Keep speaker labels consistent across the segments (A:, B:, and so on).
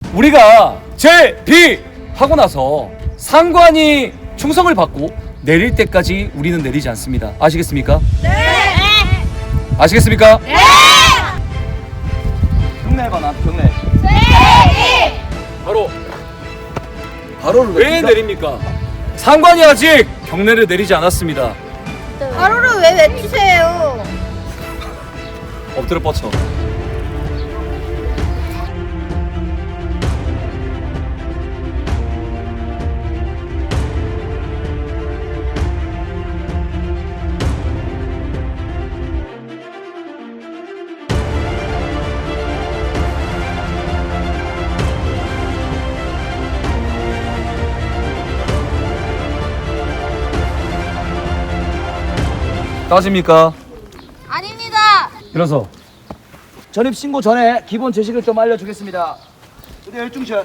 A: 우리가 제비하고 나서 상관이 충성을 받고 내릴 때까지 우리는 내리지 않습니다. 아시겠습니까?
B: 네.
A: 아시겠습니까?
B: 네.
C: 경례 해봐 나 경례.
B: 네.
A: 바로를 왜 내립니까? 상관이 아직 경례를 내리지 않았습니다.
B: 바로를 왜 외치세요?
A: 엎드려 뻗쳐. 따집니까?
B: 아닙니다.
A: 일어서.
C: 전입 신고 전에 기본 제식을 좀 알려주겠습니다. 부대 열중샷.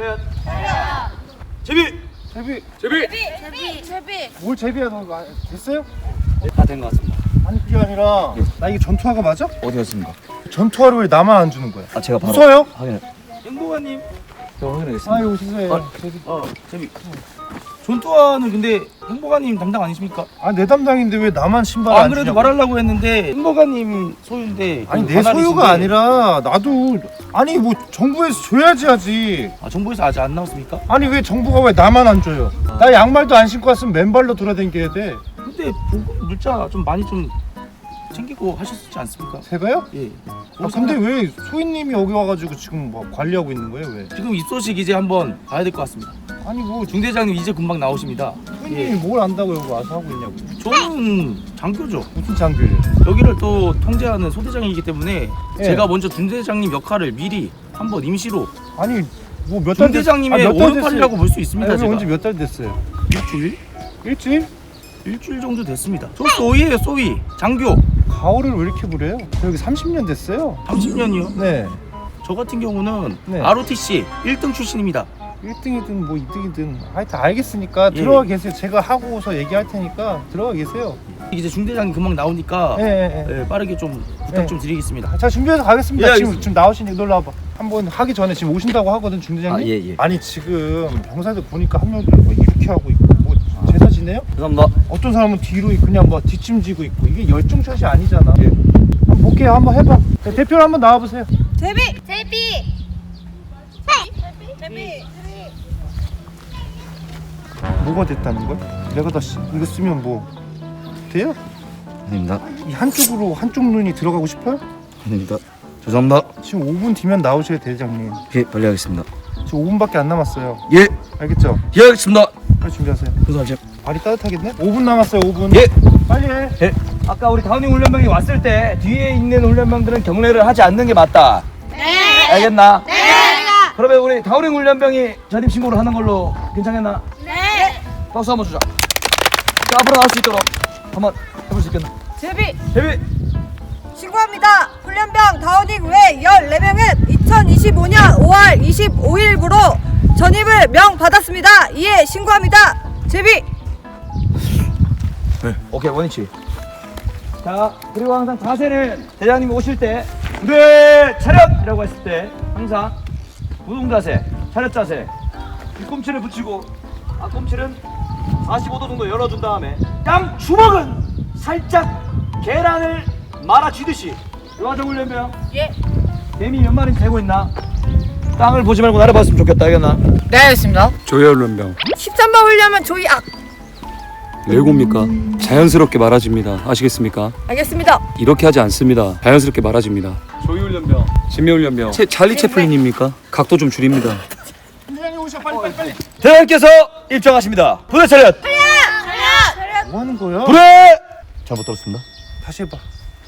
C: 제비.
A: 제비.
B: 제비.
D: 뭘 제비야 너 됐어요?
C: 다 된 것 같습니다.
D: 아니 그게 아니라 나 이게 전투화가 맞아?
C: 어디였습니까?
D: 전투화를 왜 나만 안 주는 거야?
C: 아 제가 바로
D: 웃어요?
C: 확인해. 행보관님. 제가 확인하겠습니다.
D: 아유 죄송해요.
C: 제비. 전투화는 근데 행보관님 담당 아니십니까?
D: 아내 담당인데 왜 나만 신발
C: 안
D: 안
C: 그래도
D: 주냐고.
C: 말하려고 했는데 행보관님 소유인데
D: 아니
C: 그
D: 내
C: 관할이신데.
D: 소유가 아니라 나도 아니 뭐 정부에서 줘야지 하지.
C: 아 정부에서 아직 안 나왔습니까?
D: 아니 왜 정부가 왜 나만 안 줘요? 나 양말도 안 신고 왔으면 맨발로 돌아다녀야 돼.
C: 근데 보급 물자 좀 많이 좀 챙기고 하셨지 않습니까?
D: 제가요?
C: 예.
D: 아 근데 왜 소희님이 여기 와가지고 지금 뭐 관리하고 있는 거예요 왜?
C: 지금 입소식 이제 한번 봐야 될 것 같습니다.
D: 아니 뭐
C: 중대장님 이제 금방 나오십니다.
D: 소희님이 뭘 안다고 여기 와서 하고 있냐고.
C: 저는 장교죠.
D: 무슨 장교예요?
C: 여기를 또 통제하는 소대장이기 때문에
D: 예.
C: 제가 먼저 중대장님 역할을 미리 한번 임시로
D: 아니 뭐 몇 달
C: 중대장님의 오른팔이라고 볼 수 있습니다.
D: 여기
C: 제가
D: 온지 몇 달 됐어요?
C: 일주일?
D: 일주일?
C: 일주일 정도 됐습니다. 저 소위예요 소위. 장교.
D: 가오를 왜 이렇게 부려요? 저 여기 30년 됐어요.
C: 30년이요.
D: 네.
C: 저 같은 경우는
D: 네.
C: ROTC 1등 출신입니다.
D: 1등이든 뭐 2등이든 하여튼 알겠으니까
C: 예.
D: 들어가 계세요. 제가 하고서 얘기할 테니까 들어가 계세요.
C: 이제 중대장님 금방 나오니까
D: 예, 예, 예.
C: 빠르게 좀 부탁
D: 예.
C: 좀 드리겠습니다.
D: 자 준비해서 가겠습니다.
C: 예,
D: 지금
C: 알겠습니다.
D: 지금 나오시니 놀러 와봐. 한번 하기 전에 지금 오신다고 하거든 중대장님.
C: 아, 예, 예.
D: 아니 지금 병사들 보니까 한 명들 뭐 이렇게 하고 있고 뭐 제사 지내요?
C: 죄송합니다.
D: 어떤 사람은 뒤로 그냥 뭐 뒷짐지고 있고 이게 열중샷이 아니잖아. 한번 볼게요. 한번 해봐. 자, 대표로 한번 나와보세요.
B: 제비.
D: 뭐가 됐다는 걸? 내가 다 이거 쓰면 뭐 돼요?
C: 아닙니다.
D: 이 한쪽으로 한쪽 눈이 들어가고 싶어요?
C: 아닙니다. 죄송합니다.
D: 지금 5분 뒤면 나오셔야 대장님.
C: 예, 빨리 하겠습니다.
D: 지금 5분밖에 안 남았어요.
C: 예,
D: 알겠죠?
C: 예, 하겠습니다.
D: 빨리 준비하세요.
C: 죄송합니다.
D: 발이 따뜻하겠네? 5분 남았어요. 5분.
C: 예.
D: 빨리 해.
C: 예. 아까 우리 다운닝 훈련병이 왔을 때 뒤에 있는 훈련병들은 경례를 하지 않는 게 맞다.
B: 네.
C: 알겠나?
B: 네.
C: 그러면 우리 다운닝 훈련병이 전입 신고를 하는 걸로 괜찮겠나?
B: 네.
C: 박수 한번 주자. 자, 앞으로 나올 수 있도록 한번 해볼 수 있겠나?
B: 제비.
C: 데뷔.
B: 신고합니다. 훈련병 다운닝 외 14명은 2025년 5월 25일부로 전입을 명받았습니다. 이에 신고합니다. 제비.
C: 오케이, 원위치. 자, 그리고 항상 자세는 대장님이 오실 때 부대 차렷이라고 했을 때 항상 우동 자세, 차렷 자세. 뒤꿈치를 붙이고 앞꿈치는 45도 정도 열어준 다음에 양 주먹은 살짝 계란을 말아 쥐듯이. 요하정 훈련병.
B: 예.
C: 개미 몇 마리 재고 있나? 땅을 보지 말고 날아봤으면 좋겠다. 알겠나?
B: 네, 알겠습니다.
A: 조혈련병
B: 13번 훈련은 조이
A: 왜곱니까? 자연스럽게 말아집니다. 아시겠습니까?
B: 알겠습니다.
A: 이렇게 하지 않습니다. 자연스럽게 말아집니다. 조이훈련병, 진미훈련병, 찰리 채플린입니까? 각도 좀 줄입니다.
D: 중대장님 오셔. 빨리.
C: 대장님께서 입장하십니다. 부대 차렷.
D: 뭐 하는 거야?
C: 부대. 잘못 들었습니다.
D: 다시 해봐.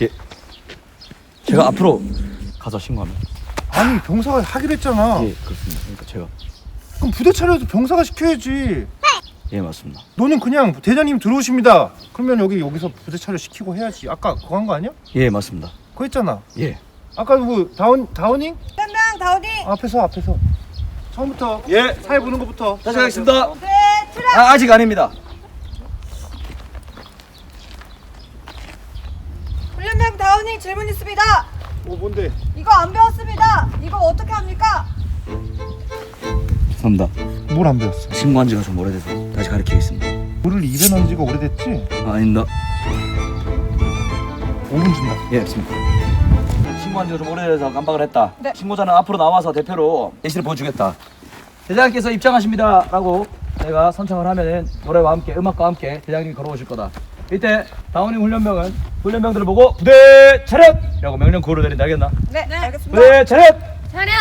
C: 제가 앞으로 가서 신고합니다.
D: 아니 병사가 하기로 했잖아.
C: 예, 그렇습니다. 그러니까 제가
D: 그럼 부대 차려도 병사가 시켜야지.
C: 예, 맞습니다.
D: 너는 그냥 대장님 들어오십니다. 그러면 여기서 부대 차려 시키고 해야지. 아까 그거 한 거 아니야?
C: 예, 맞습니다.
D: 그거 했잖아.
C: 예.
D: 아까 뭐 다운잉?
B: 훈련병 다운닝.
D: 앞에서 처음부터
C: 예.
D: 사회 보는 것부터
C: 다시 하겠습니다.
B: 네, 트랙.
C: 아직 아닙니다.
B: 훈련병 다운닝 질문 있습니다.
D: 뭔데?
B: 이거 안 배웠습니다. 이거 어떻게 합니까?
E: 죄송합니다.
D: 뭘 안 배웠어?
E: 신고한 지가 좀 오래돼서 다시 가르치겠습니다.
D: 물을 입에 넣은 지가 오래됐지?
E: 아닙니다.
D: 5분 준다.
E: 예, 알겠습니다.
C: 신고한 지가 좀 오래돼서 깜빡을 했다.
B: 네.
C: 신고자는 앞으로 나와서 대표로 예시를 보여주겠다. 대장님께서 입장하십니다 라고 내가 선창을 하면은 노래와 함께 음악과 함께 대장님이 걸어오실 거다. 이때 다운이 훈련병은 훈련병들을 보고 부대 차렷! 라고 명령 구호를 내린다. 알겠나?
B: 네, 알겠습니다.
C: 부대 차렷!
B: 차렷!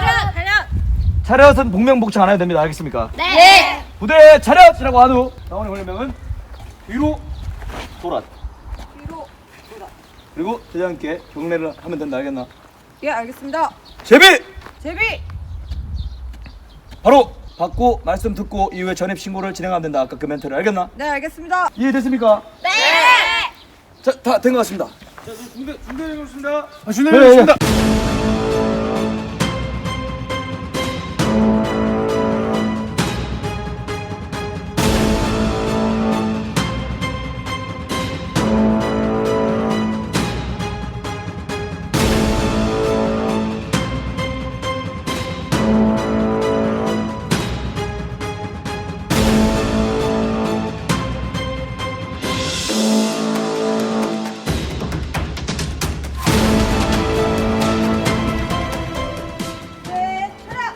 C: 차렷은 복명복창 안 해도 됩니다. 알겠습니까?
B: 네.
C: 부대 차렷이라고 한 후 다운이 훈련병은 뒤로 돌아.
B: 뒤로.
C: 그리고 대장님께 경례를 하면 된다. 알겠나?
B: 예, 알겠습니다.
C: 제비!
B: 제비.
C: 바로 받고 말씀 듣고 이후에 전입 신고를 진행하면 된다. 아까 그 멘트를 알겠나?
B: 네, 알겠습니다.
C: 이해됐습니까?
B: 네.
C: 자, 다 된 것 같습니다.
D: 준비되겠습니다.
C: 네,
D: 준비되겠습니다.
B: 네, 차렷.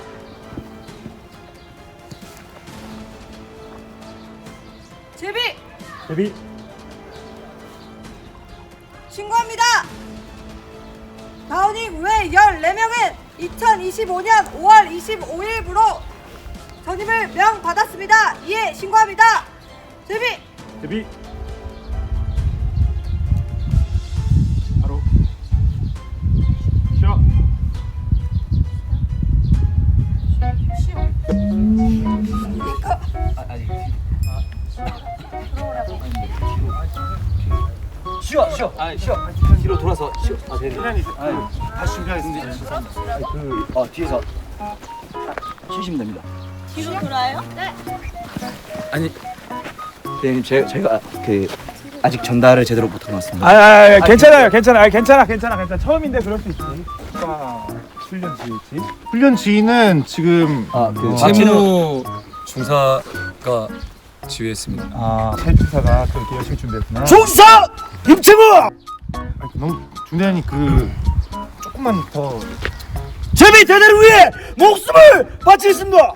B: 제비.
D: 데뷔.
B: 신고합니다. 다운닝 외 14명은 2025년 5월 25일부로 전입을 명받았습니다. 이에 신고합니다. 제비.
D: 데뷔. 바로 쉬어.
C: 쉬어. 쉬어. 뒤로 돌아서 쉬어. 아, 네.
D: 시간이 다시 준비하겠습니다.
C: 뒤에서 쉬시면 됩니다.
B: 뒤로 돌아요? 네.
E: 아니, 대장님 제가 그 아직 전달을 제대로 못한 것 같습니다.
D: 괜찮아요. 괜찮아. 처음인데 그럴 수 있지. 훈련 지휘지. 훈련 지휘는 지금
A: 박진우 중사가 지휘했습니다.
D: 찰주사가 그렇게 열심히 준비했구나.
C: 중사 임채무
D: 너무 중대한이 그 조금만 더
C: 제비 대대를 위해 목숨을 바치겠습니다.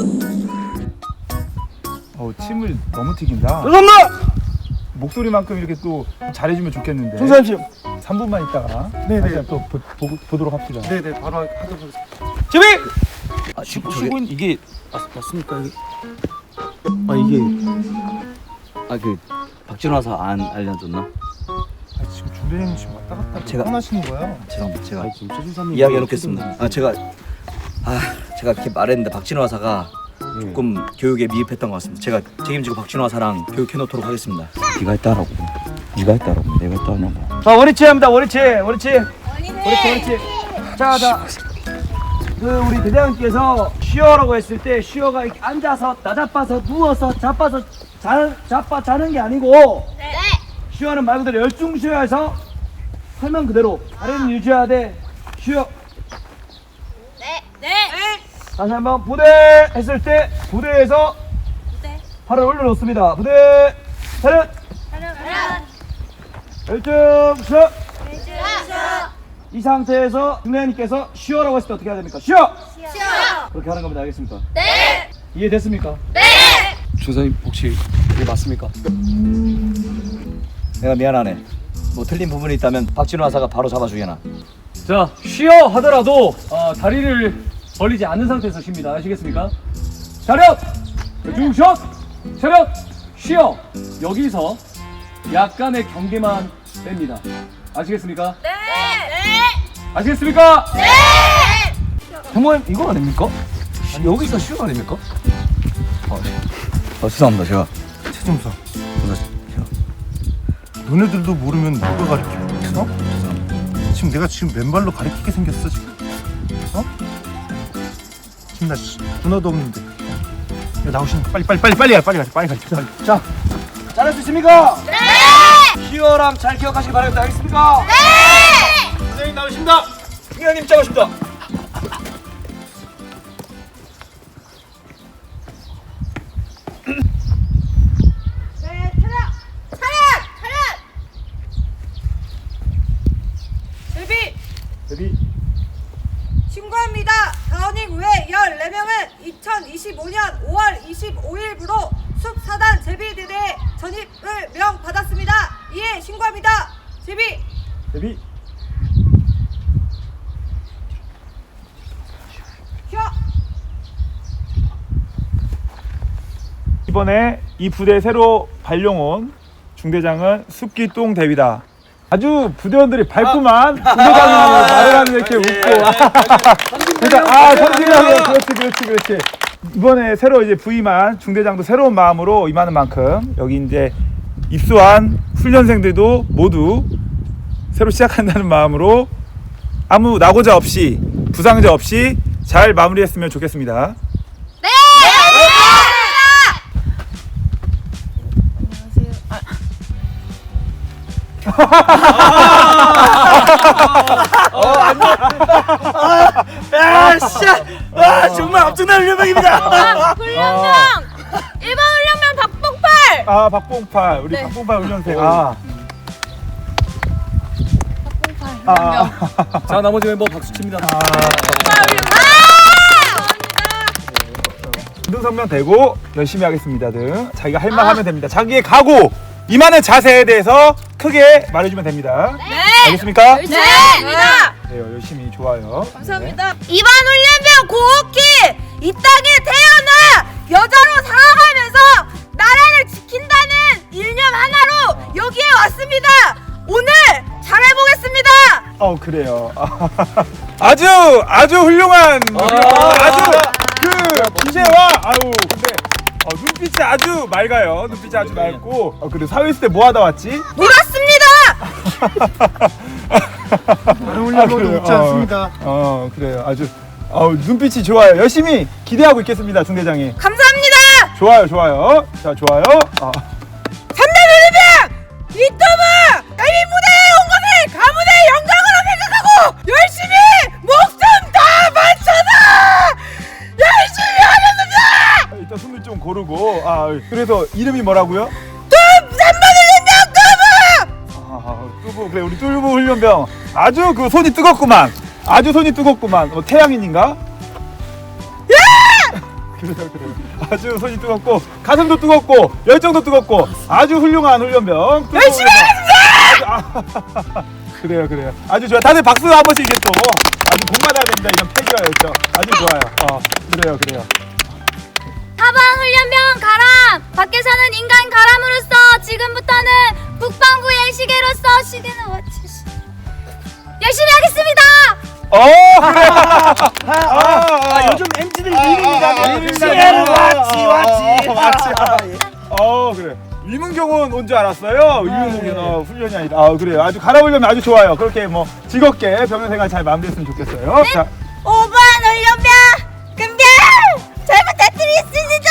D: 침을 너무 튀긴다.
C: 죄송합니다.
D: 목소리만큼 이렇게 또 잘해주면 좋겠는데.
C: 중사님
D: 3분만 있다가 다시 또 보도록 합시다. 네네 바로 하도록 하겠습니다.
C: 제비
E: 쉬고 이게 맞습니까? 이게 그 박진호 와서 안 알려줬나?
D: 지금 중대장님 지금 왔다 갔다
E: 제가-
D: 하시는 거야.
E: 죄송합니다. 제가 이야기해놓겠습니다. 제가 이렇게 말했는데 박진호 와사가 조금 교육에 미흡했던 것 같습니다. 제가 책임지고 박진호 와사랑 교육해놓도록 하겠습니다. 네가 했다라고. 내가 했다냐고.
C: 자 원위치 합니다. 원위치.
B: 원인해.
C: 자. 그 우리 대장님께서 쉬어라고 했을 때 쉬어가 이렇게 앉아서 나자빠서 누워서 자빠서 자는 게 아니고
B: 네.
C: 쉬어는 말 그대로 열중 쉬어해서 설명 그대로 다리는 유지해야 돼. 쉬어.
B: 네.
C: 다시 한번 부대 했을 때 부대에서
B: 부대.
C: 팔을 올려놓습니다. 부대 차렷. 열중 쉬어. 이 상태에서 중대장님께서 쉬어라고 했을 때 어떻게 해야 됩니까? 쉬어! 그렇게 하는 겁니다. 알겠습니까?
B: 네.
C: 이해됐습니까?
A: 중사님 혹시 이게 맞습니까?
C: 내가 미안하네. 뭐 틀린 부분이 있다면 박진호 하사가 바로 잡아주게나.
A: 자, 쉬어 하더라도 다리를 벌리지 않는 상태에서 쉽니다. 아시겠습니까? 차렷! 중샷! 차렷! 쉬어! 여기서 약간의 경계만 뺍니다. 아시겠습니까?
B: 네.
A: 아시겠습니까?
C: 형님 이거 아닙니까? 여기서 쉬어 아닙니까?
E: 죄송합니다. 제가
D: 최종사. 너네들도 모르면 누가 가르쳐? 지금 내가 맨발로 가르치게 생겼어 지금. 지금 나 군화도 없는데. 야 나오시니까 빨리 가자.
C: 자, 잘할 수 있습니까? 네! 쉬어랑 잘 기억하시기 바랍니다. 알겠습니까? 네!
D: 선생님 나오십니다.
C: 중대장님 입장하십니다.
D: 이번에 이 부대 새로 발령 온 중대장은 숲기똥 대위다. 아주 부대원들이 밝구만. 중대장이 말을 하는 이렇게 웃고. 그러니까 선진하고 그렇지. 이번에 새로 이제 부임한 중대장도 새로운 마음으로 임하는 만큼 여기 이제 입소한 훈련생들도 모두 새로 시작한다는 마음으로 아무 낙오자 없이 부상자 없이 잘 마무리했으면 좋겠습니다.
B: 네.
E: 정말 엄청난 훈련병입니다.
B: 훈련병 1번 훈련병 박봉팔.
D: 박봉팔 우리
B: 네.
D: 박봉팔 훈련생.
A: 자, 나머지 멤버 박수 칩니다.
D: 운동성명 대고 열심히 하겠습니다 등 자기가 할 말 하면 됩니다. 자기의 각오 임하는 자세에 대해서 크게 말해주면 됩니다.
B: 네.
D: 알겠습니까?
B: 네.
D: 네, 열심히 좋아요.
B: 감사합니다. 2번 훈련병 고옥희 이 땅에 태어나 여자로 살아가면서 나라를 지킨다는 일념 하나로 여기에 왔습니다. 오늘 잘해보겠습니다.
D: 그래요. 아주 훌륭한 아주 그 기세와 근데 눈빛이 아주 맑아요. 눈빛이 아주 맑고 그리고 사회 있을 때 뭐 하다 왔지?
B: 놀았습니다.
D: 다른 훈련병도 웃지 않습니다. 그래요. 아주 눈빛이 좋아요. 열심히 기대하고 있겠습니다, 중대장이.
B: 감사합니다.
D: 좋아요. 자, 좋아요.
B: 3단 훈련병 이토부 나이 무대에 온 것을 가문의 영광으로 생각하고 열심히 목숨 다 바쳐서 열심히 하겠습니다.
D: 일단 손을 좀 고르고 그래서 이름이 뭐라고요?
B: 3번 훈련병 뚜부.
D: 뚜부. 그래, 우리 뚜부 훈련병 아주 그 손이 뜨겁구만. 태양인인가? 그래요. 아주 손이 뜨겁고 가슴도 뜨겁고 열정도 뜨겁고 아주 훌륭한 훈련병.
B: 열심히
D: 하겠습니다. 그래요. 아주 좋아. 다들 박수 한 번씩 이게 또 아주 복 받아야 됩니다. 이런 패기와 열정. 아주 좋아요. 그래요.
F: 4번 훈련병 가람! 밖에서는 인간 가람으로서 지금부터는 국방부의 시계로서 시계는 와치 열심히 하겠습니다!
E: 아, 요즘 MZ들 미국이라면 시에르 왔지.
D: 그래. 위문경은 온 줄 알았어요. 위문경은 훈련이 아니라. 그래요. 아주 갈아보려면 아주 좋아요. 그렇게 뭐 즐겁게 병영 생활 잘 마무리했으면 좋겠어요.
B: 네?
D: 자,
B: 5번 훈련병 금별 잘 부탁드리겠습니다.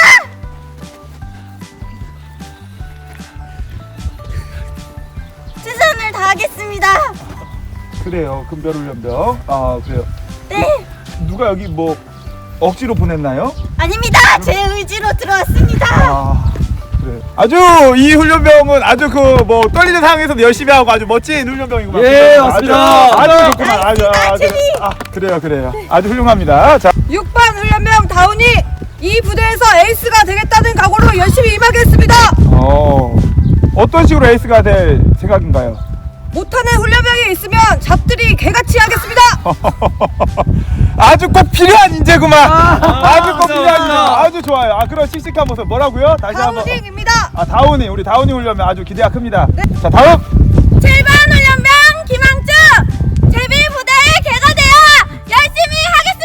B: 최선을 다하겠습니다.
D: 그래요. 금별 훈련병. 그래요.
B: 네.
D: 누가 여기 뭐 억지로 보냈나요?
B: 아닙니다. 제 의지로 들어왔습니다.
D: 그래. 아주 이 훈련병은 아주 그 뭐 떨리는 상황에서도 열심히 하고 아주 멋진 훈련병이구만.
A: 예,
D: 아주,
A: 맞습니다.
D: 아주 좋구만. 그래요. 아주 훌륭합니다. 자,
B: 6번 훈련병 다운이 이 부대에서 에이스가 되겠다는 각오로 열심히 임하겠습니다.
D: 어떤 식으로 에이스가 될 생각인가요?
B: 못하는 훈련병이 있으면 잡들이 개같이 하겠습니다.
D: 아주 꼭 필요한 인재구만. 아주 꼭 필요한 인재.
A: 감사합니다.
D: 아주 좋아요. 그런 씩씩한 모습 뭐라고요? 다시 한번.
B: 다운입니다.
D: 다운이 우리 다운이 훈련병 아주 기대가 큽니다. 자, 다음.
B: 7번 훈련병 김항주 제비 부대의 개가 되어 열심히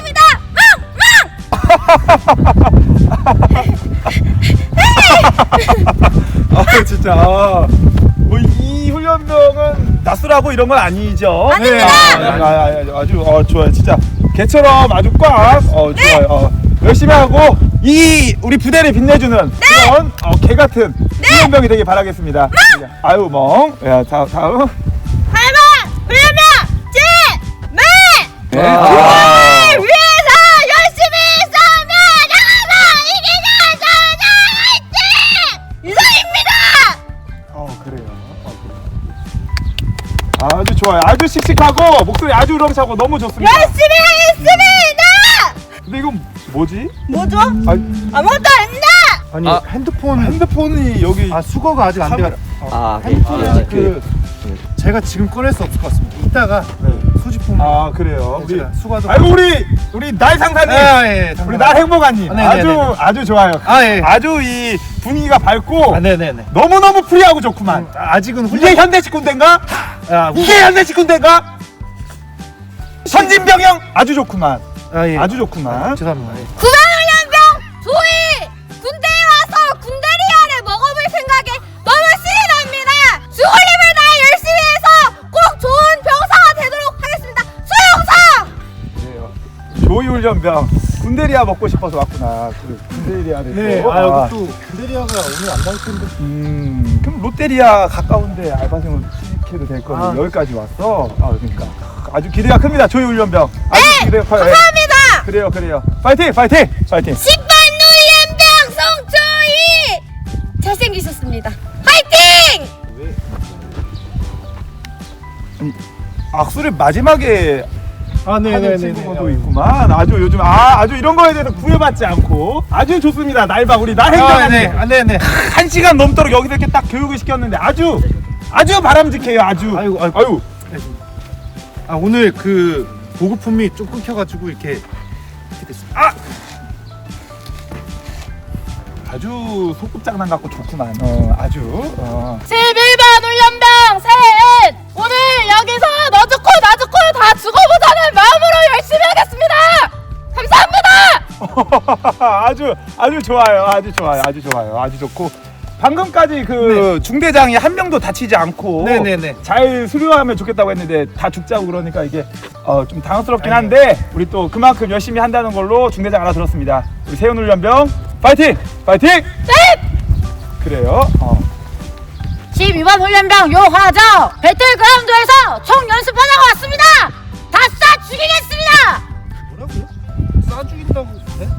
B: 하겠습니다.
D: 진짜. 뭐 이 훈련병은 낯설하고 이런 건 아니죠?
B: 아닙니다.
D: 아주 좋아요. 진짜 개처럼 아주 꽉 좋아요. 열심히 하고 이 우리 부대를 빛내주는 그런 개 같은 훈련병이 되길 바라겠습니다. 아유 멍. 야, 다음.
B: 8번 훈련병 제매
A: 네.
B: 위해서 열심히 싸우며 나가서 이기자 화이팅! 이상입니다.
D: 그래요. 아주 좋아요. 아주 씩씩하고 목소리 아주 우렁차고 너무 좋습니다.
B: 열심히 하겠습니다.
D: 근데 이건 뭐지?
B: 뭐죠?
D: 아니,
B: 아무것도 아닙니다.
D: 아니 핸드폰이 여기
G: 수거가 아직 안 돼가.
E: 아,
G: 핸드폰은 제가 지금 꺼낼 수 없을 것 같습니다. 이따가 소지품.
D: 아 그래요. 우리
G: 수고도.
D: 아이고 우리 날 상사님, 우리 날 행복한님 아주 좋아요.
G: 예.
D: 아주 이 분위기가 밝고
G: 네네네.
D: 너무 너무 프리하고 좋구만.
G: 아직은
D: 이게 현대식 군대인가? 이게 현대식 군대인가? 선진병영 아주 좋구만.
G: 예.
D: 아주 좋구만.
G: 죄송합니다.
F: 구강훈련병 조이 군대에 와서 군대리아를 먹어볼 생각에 너무 신이 납니다. 죽을림을 다해 열심히 해서 꼭 좋은 병사가 되도록 하겠습니다. 수용사!
D: 그래요. 조이훈련병 군대리아 먹고 싶어서 왔구나. 그 군대리아를
G: 네.
D: 또.
G: 여기 또 군대리아가 오늘 안 나올 텐데.
D: 그럼 롯데리아 가까운데 알바생으로 취직해도 될 건데 여기까지 왔어. 그러니까 아주 기대가 큽니다. 조이훈련병. 아주 기대가 커요.
F: 감사합니다.
D: 그래요. 파이팅.
F: 10번 훈련병 송조이 잘생기셨습니다. 화이팅!
D: 악수를 마지막에 하는
G: 네네네.
D: 친구도 있구만. 아주 요즘 아주 이런 거에 대해서 구애받지 않고 아주 좋습니다. 날방 우리 날 행정관님.
G: 네네.
D: 1시간 넘도록 여기서 이렇게 딱 교육을 시켰는데 아주 바람직해요. 아주. 아유.
G: 오늘 그 보급품이 좀 끊겨가지고 이렇게 됐습니다.
D: 아주 소꿉장난 같고 좋구만. 아주.
F: 11번 훈련병 셋! 오늘 여기서 너 죽고 나 죽고 다 죽어보자는 마음으로 열심히 하겠습니다. 감사합니다.
D: 아주 좋아요. 아주 좋고. 방금까지 그 중대장이 한 명도 다치지 않고
G: 네네네.
D: 잘 수료하면 좋겠다고 했는데 다 죽자고 그러니까 이게 좀 당황스럽긴 한데 우리 또 그만큼 열심히 한다는 걸로 중대장 알아들었습니다. 우리 세훈훈련병 파이팅!
F: 셋!
D: 그래요.
F: 12번 훈련병 요화정 배틀그라운드에서 총 연습하다가 왔습니다. 다 쏴 죽이겠습니다.
G: 뭐라고요? 싸 죽인다고. 네?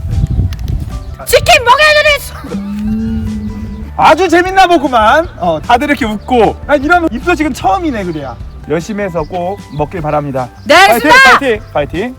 F: 치킨 먹여드릴
D: 아주 재밌나 보구만. 다들 이렇게 웃고. 이런 입소식은 처음이네 그래야. 열심히 해서 꼭 먹길 바랍니다.
F: 네, 알겠습니다.
D: 파이팅.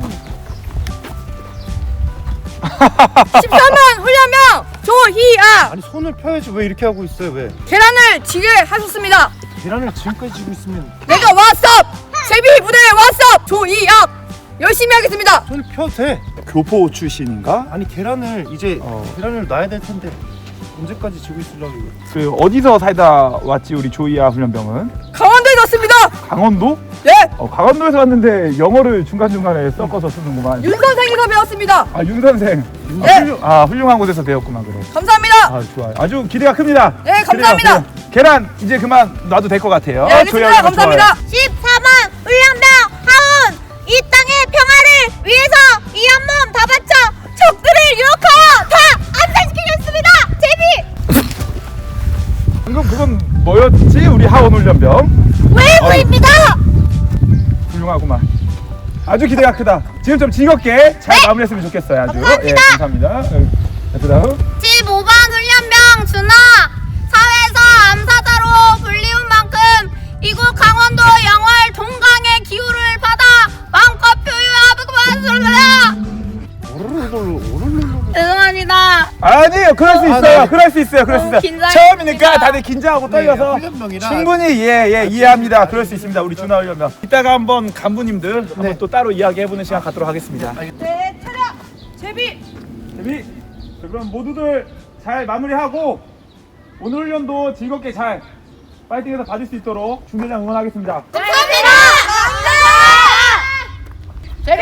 B: 13번 훈련병 조희아
G: 아니 손을 펴야지 왜 이렇게 하고 있어요? 왜?
B: 계란을 지게 하셨습니다.
G: 계란을 지금까지 쥐고 있으면
B: 내가 왔어. 제비 부대에 왔어. 조희아 열심히 하겠습니다.
G: 손을 펴도 돼.
D: 교포 출신인가?
G: 아니 계란을 이제 계란을 놔야 될 텐데 언제까지 쥐고 있으려고 이거.
D: 그 어디서 살다 왔지 우리 조이아 훈련병은?
B: 강원도에 왔습니다.
D: 강원도?
B: 네.
D: 강원도에서 왔는데 영어를 중간중간에 섞어서 쓰는구만.
B: 윤 선생에서 배웠습니다.
D: 윤 선생.
B: 네.
D: 훌륭한 곳에서 배웠구만 그래.
B: 감사합니다.
D: 좋아요. 아주 기대가 큽니다.
B: 네, 감사합니다.
D: 그래요. 계란 이제 그만 놔도 될 것 같아요.
B: 네, 알겠습니다. 감사합니다.
F: 14번 훈련병 하운 이 땅의 평화를 위해서 이 한 몸 다 바쳐 적들을 유혹하여 다 암살시키겠습니다. 제비
D: 방금 그건 뭐였지? 우리 하원 훈련병.
F: 웨이브입니다.
D: 훌륭하구만. 아주 기대가 크다. 지금 좀 즐겁게 잘 마무리했으면 좋겠어요. 아주.
F: 감사합니다.
D: 감사합니다. 그다음
F: 15번 훈련병 준하 사회에서 암사자로 불리운 만큼 이곳 강원도 영월 동강의 기후를 받아 마음껏 표현하고만 죄송합니다.
D: 아니에요. 그럴 수 있어요.
G: 네.
D: 그럴 수 있어요.
F: 긴장했습니다.
D: 처음이니까 다들 긴장하고 떨려서
G: 훈련병이라
D: 충분히 이해합니다. 그럴 수 있습니다. 우리 준하 훈련병. 이따가 한번 간부님들 한번 또 따로 이야기해보는 시간 갖도록 하겠습니다.
B: 네, 차렷. 제비.
D: 데뷔. 자, 그럼 모두들 잘 마무리하고 오늘 훈련도 즐겁게 잘 파이팅해서 받을 수 있도록 중대장 응원하겠습니다.
F: 감사합니다. 제비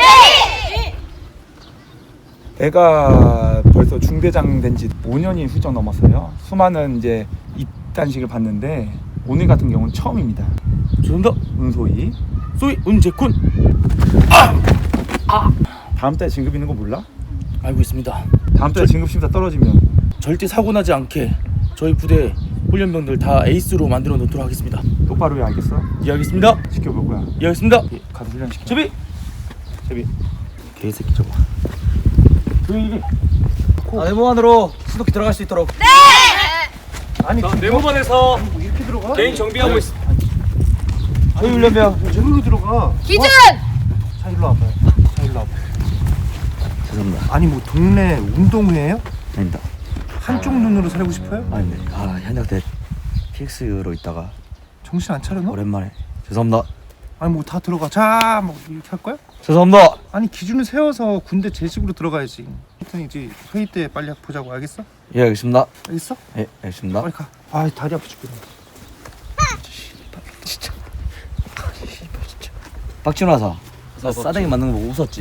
D: 내가 벌써 중대장 된 지 5년이 훌쩍 넘었어요. 수많은 이제 입단식을 봤는데 오늘 같은 경우는 처음입니다. 죄송합니다. 은소희.
E: 소위 은재군
D: 다음 달에 진급 있는 거 몰라?
E: 알고 있습니다.
D: 다음 달에 진급 심사 떨어지면
E: 절대 사고 나지 않게 저희 부대 훈련병들 다 에이스로 만들어 놓도록 하겠습니다.
D: 똑바로 해 알겠어?
E: 이해하겠습니다.
D: 지켜볼 거야.
E: 이해하겠습니다.
D: 가서 훈련 시켜.
E: 제비 개새끼 저거.
D: 조용히.
E: 네모 안으로 수도키 들어갈 수 있도록.
D: 아니
A: 네모반에서
G: 이렇게 들어가?
A: 개인 정비하고 있어.
D: 저희 훈련병.
G: 저기로 들어가.
F: 기준
G: 자 일로 와봐요. 자 일로 와봐.
E: 죄송합니다.
G: 아니 뭐 동네 운동회예요?
E: 아닙니다.
G: 한쪽 눈으로 살고 싶어요?
E: 아닙니다. 현역 때 TX로 있다가
G: 정신 안 차려너?
E: 오랜만에 죄송합니다.
G: 아니 뭐 다 들어가. 자, 뭐 이렇게 할 거야?
C: 죄송합니다.
G: 아니 기준을 세워서 군대 제식으로 들어가야지. 하여튼 이제 회의 때 빨리 보자고. 알겠어?
C: 예, 알겠습니다.
G: 알겠어?
C: 예, 알겠습니다.
G: 빨리 가. 아 다리 아파 죽겠네.
C: 박진호 하사. 싸대기 맞는 거 보고 웃었지?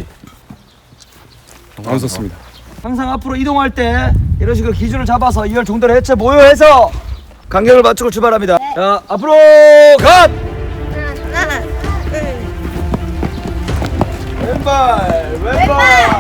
A: 안 웃었습니다.
C: 항상 앞으로 이동할 때 이런 식으로 기준을 잡아서 2열 중대를 해체 모여해서 간격을 맞추고 출발합니다. 자, 앞으로 갓!
F: 하나, 둘.
C: 왼발, 왼발.